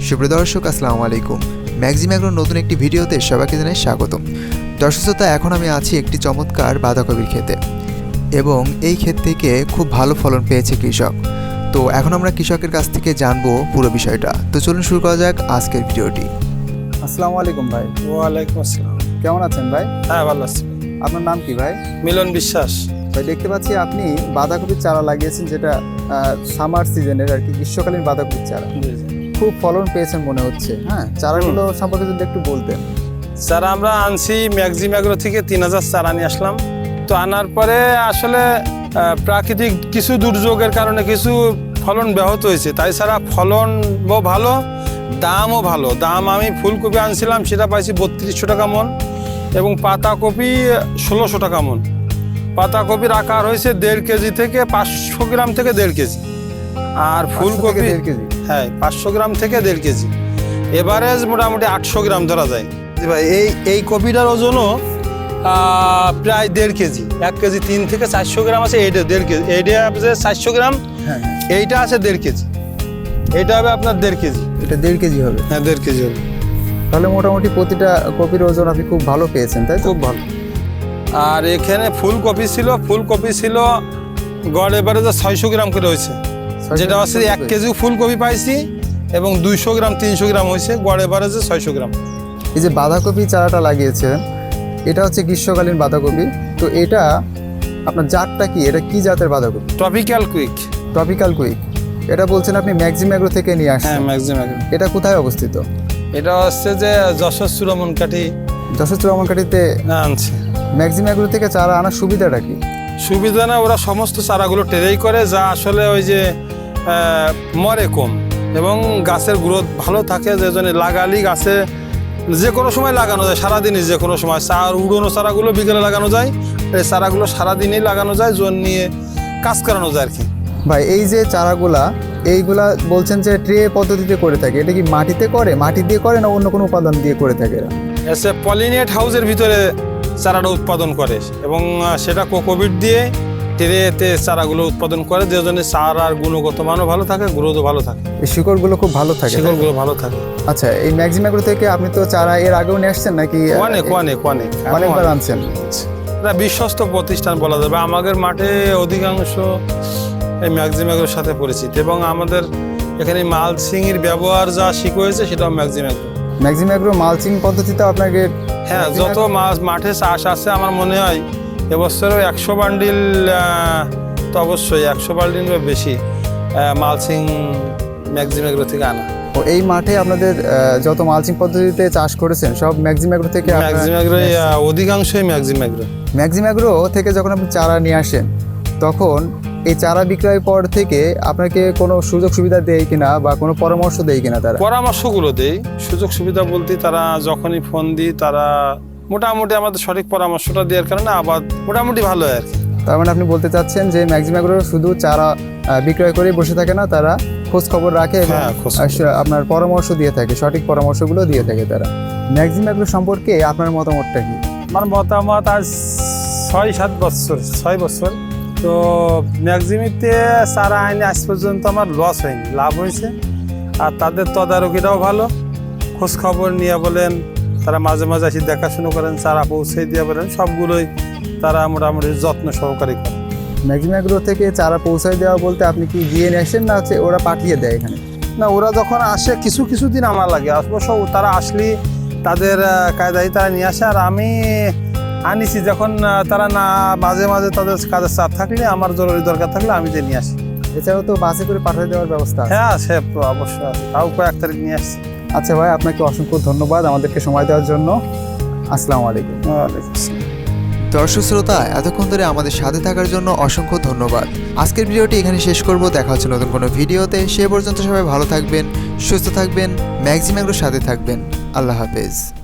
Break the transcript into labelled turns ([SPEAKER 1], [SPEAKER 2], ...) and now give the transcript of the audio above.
[SPEAKER 1] সুপ্রিয় দর্শক, আসসালামু আলাইকুম। ম্যাক্সিম এগ্রোর নতুন একটি ভিডিওতে সবাইকে জানাই স্বাগতম। দর্শক শ্রোতা, এখন আমি আছি একটি চমৎকার বাঁধাকপির ক্ষেতে এবং এই ক্ষেত থেকে খুব ভালো ফলন পেয়েছে কৃষক। তো এখন আমরা কৃষকের কাছ থেকে জানবো পুরো বিষয়টা। তো চলুন শুরু করা যাক আজকের ভিডিওটি।
[SPEAKER 2] আসসালামু আলাইকুম ভাই।
[SPEAKER 3] ওয়ালাইকুম আসসালাম।
[SPEAKER 2] কেমন আছেন ভাই?
[SPEAKER 3] হ্যাঁ, ভালো আছি।
[SPEAKER 2] আপনার নাম কি ভাই?
[SPEAKER 3] মিলন বিশ্বাস।
[SPEAKER 2] ভাই, দেখতে পাচ্ছি আপনি বাঁধাকপির চারা লাগিয়েছেন, যেটা সামার সিজনের আর কি, গ্রীষ্মকালীন বাঁধাকপির চারা। খুব ফলন পেয়েছেন মনে হচ্ছে। হ্যাঁ, চারাগুলো সম্পর্কে যদি একটু বলতেন।
[SPEAKER 3] চারা আমরা আনছি ম্যাক্সিম এগ্রো থেকে 3000 চারা নিয়ে আসলাম। তো আনার পরে আসলে প্রাকৃতিক কিছু দুর্যোগের কারণে কিছু ফলন ব্যাহত হয়েছে, তাই ছাড়া ফলনও ভালো, দামও ভালো। দাম আমি ফুলকপি আনছিলাম, সেটা পাইছি 3200 টাকা মন, এবং পাতাকপি 1600 টাকা মন। পাতাকপির আকার হয়েছে 1.5 কেজি থেকে 500 গ্রাম থেকে 1.5 কেজি, আর ফুলকপি
[SPEAKER 2] 1.5 কেজি।
[SPEAKER 3] হ্যাঁ, 500 গ্রাম থেকে 1.5 কেজি। এভারেজ মোটামুটি 800 গ্রাম ধরা যায়। ভাই, এই কপিটার ওজনও প্রায় 1.5 কেজি। 1 কেজি 3 থেকে 400 গ্রাম আছে, এইটা 1.5 কেজি। এইটা আছে 400 গ্রাম,
[SPEAKER 2] হ্যাঁ,
[SPEAKER 3] এইটা আছে 1.5 কেজি। এইটা হবে আপনার 1.5 কেজি।
[SPEAKER 2] এটা 1.5 কেজি হবে।
[SPEAKER 3] হ্যাঁ, 1.5 কেজি হবে।
[SPEAKER 2] তাহলে মোটামুটি প্রতিটা কপির ওজন আপনি খুব ভালো পেয়েছেন, তাই তো?
[SPEAKER 3] খুব ভালো। আর এখানে ফুলকপি ছিল গড় এভারেজে 600 গ্রাম করে হয়েছে, যেটা হচ্ছে 1 কেজি ফুলকপি পাইছি, এবং 200 গ্রাম 300 গ্রাম হয়েছে, গড় এভারেজে 600 গ্রাম।
[SPEAKER 2] এই যে বাঁধাকপি চারাটা লাগিয়েছেন, এটা হচ্ছে গ্রীষ্মকালীন বাঁধাকপি। তো এটা আপনার জাতটা কি? এটা কি জাতের বাঁধাকপি?
[SPEAKER 3] Tropical quick.
[SPEAKER 2] Tropical quick. এটা বলছেন আপনি ম্যাক্সিম এগ্রো থেকে নিয়ে
[SPEAKER 3] হ্যাঁ,
[SPEAKER 2] আসছেন?
[SPEAKER 3] Maxim agro.
[SPEAKER 2] এটা কোথায় অবস্থিত?
[SPEAKER 3] এটা হচ্ছে যে যশোর চূড়ামনকাঠি
[SPEAKER 2] যশোর চুরামনকাঠিতে
[SPEAKER 3] আনছে।
[SPEAKER 2] ম্যাক্সিম এগ্রো থেকে চারা আনার সুবিধাটা কি?
[SPEAKER 3] সুবিধা না, ওরা সমস্ত চারাগুলো টেরেই করে, যা আসলে ওই যে মরে কম, এবং গাছের গ্রোথ ভালো থাকে। যে জন্য লাগালি গাছে যে কোনো সময় লাগানো যায়, সারাদিনই যে কোনো সময়। উড়োনো চারাগুলো বিকেলে লাগানো যায়, এই চারাগুলো সারাদিনই লাগানো যায়, জোন নিয়ে কাজ করানো যায় আর কি।
[SPEAKER 2] ভাই, এই যে চারাগুলা, এইগুলা বলছেন যে ট্রে পদ্ধতিতে করে থাকে, এটা কি মাটিতে করে, মাটি দিয়ে করে, না অন্য কোনো উপাদান দিয়ে করে থাকে এরা?
[SPEAKER 3] এসে পলিনেট হাউসের ভিতরে চারাটা উৎপাদন করে, এবং সেটা কোকোপিট দিয়ে ট্রেতে চারাগুলো উৎপাদন করে, যে জন্য চারার গুণগত মানও ভালো থাকে, গ্রোথও ভালো থাকে,
[SPEAKER 2] এই শিকড়গুলো খুব ভালো থাকে।
[SPEAKER 3] শিকড়গুলো ভালো থাকে।
[SPEAKER 2] আচ্ছা, এই ম্যাক্সিম এগ্রো থেকে আপনি তো চারা এর আগেও নিয়ে আসছেন নাকি? অনেকবার আনছেন।
[SPEAKER 3] এটা বিশ্বস্ত প্রতিষ্ঠান বলা যাবে। আমাদের মাঠে অধিকাংশ এই ম্যাক্সিম এগ্রোর সাথে পরিচিত, এবং আমাদের এখানে মালচিংয়ের ব্যবহার যা শিখেছে সেটাও Maxim agro.
[SPEAKER 2] Maxim agro mulching পদ্ধতিতে আপনাকে?
[SPEAKER 3] হ্যাঁ, যত মাঠে চাষ আছে আমার মনে হয় এবছরও 100 বান্ডিল, তো অবশ্যই 100 বান্ডিল বা বেশি মালচিং ম্যাক্সিম এগ্রো থেকে আনা।
[SPEAKER 2] ও, এই মাঠে আপনাদের যত মালচিং পদ্ধতিতে চাষ করেছেন সব ম্যাক্সিম এগ্রো থেকে?
[SPEAKER 3] ম্যাক্সিম এগ্রো, অধিকাংশই ম্যাক্সিম এগ্রো।
[SPEAKER 2] ম্যাক্সিম এগ্রো থেকে যখন আপনি চারা নিয়ে আসেন, তখন এই চারা বিক্রয়ের পর থেকে আপনাকে কোনো সুযোগ সুবিধা দেয় কিনা, বা কোনো পরামর্শ দেয় কিনা তারা?
[SPEAKER 3] পরামর্শগুলো দেই। সুযোগ সুবিধা বলতে তারা যখনই ফোন দিই, তারা মোটামুটি আমাদের সঠিক পরামর্শটা দেওয়ার কারণে আবার মোটামুটি ভালো হয় আর কি।
[SPEAKER 2] তার মানে আপনি বলতে চাচ্ছেন যে ম্যাক্সিম এগ্রো শুধু চারা বিক্রয় করে বসে থাকে না, তারা খোঁজ খবর রাখে এবং আপনার পরামর্শ দিয়ে থাকে, সঠিক পরামর্শগুলো দিয়ে থাকে তারা। ম্যাক্সিম এগ্রো সম্পর্কে আপনার মতামতটা কি?
[SPEAKER 3] আমার মতামত, আজ 6 বছর তো ম্যাক্সিমিতে চারা আইনে আজ পর্যন্ত আমার লস হয়নি, লাভ হয়েছে। আর তাদের তদারকিটাও ভালো, খোঁজ খবর নিয়ে বলেন, তারা মাঝে মাঝে এসে দেখাশুনো করেন, চারা পৌঁছে দিয়ে বলেন, সবগুলোই তারা মোটামুটি যত্ন সহকারে করে।
[SPEAKER 2] ম্যাক্সিম এগ্রো থেকে চারা পৌঁছায় দেওয়া বলতে আপনি কি গিয়ে নিয়ে আসেন, না হচ্ছে ওরা পাঠিয়ে দেয় এখানে?
[SPEAKER 3] না, ওরা যখন আসে কিছু দিন আমার লাগে, অবশ্য তারা আসলে তাদের কায়দায় তারা নিয়ে আসে, আর আমি আনিছি যখন তারা না, মাঝে মাঝে তাদের কাজের চাপ থাকলে, আমার জরুরি দরকার থাকলে আমি যে নিয়ে আসি।
[SPEAKER 2] এছাড়াও তো বাসে করে পাঠিয়ে দেওয়ার ব্যবস্থা আছে?
[SPEAKER 3] হ্যাঁ, সে অবশ্যই আছে, তাও কয়েক তারিখ নিয়ে আসছি।
[SPEAKER 2] আচ্ছা ভাই, আপনাকে অসংখ্য ধন্যবাদ আমাদেরকে সময় দেওয়ার জন্য। আসসালামু আলাইকুম।
[SPEAKER 3] ওয়ালাইকুম আসসালাম।
[SPEAKER 1] দর্শক শ্রোতা, এতক্ষণ ধরে আমাদের সাথে থাকার জন্য অসংখ্য ধন্যবাদ। আজকের ভিডিওটি এখানে শেষ করব। দেখা হচ্ছে নতুন কোনো ভিডিওতে। সে পর্যন্ত সবাই ভালো থাকবেন, সুস্থ থাকবেন, ম্যাক্সিম এগ্রোর সাথে থাকবেন। আল্লাহ হাফেজ।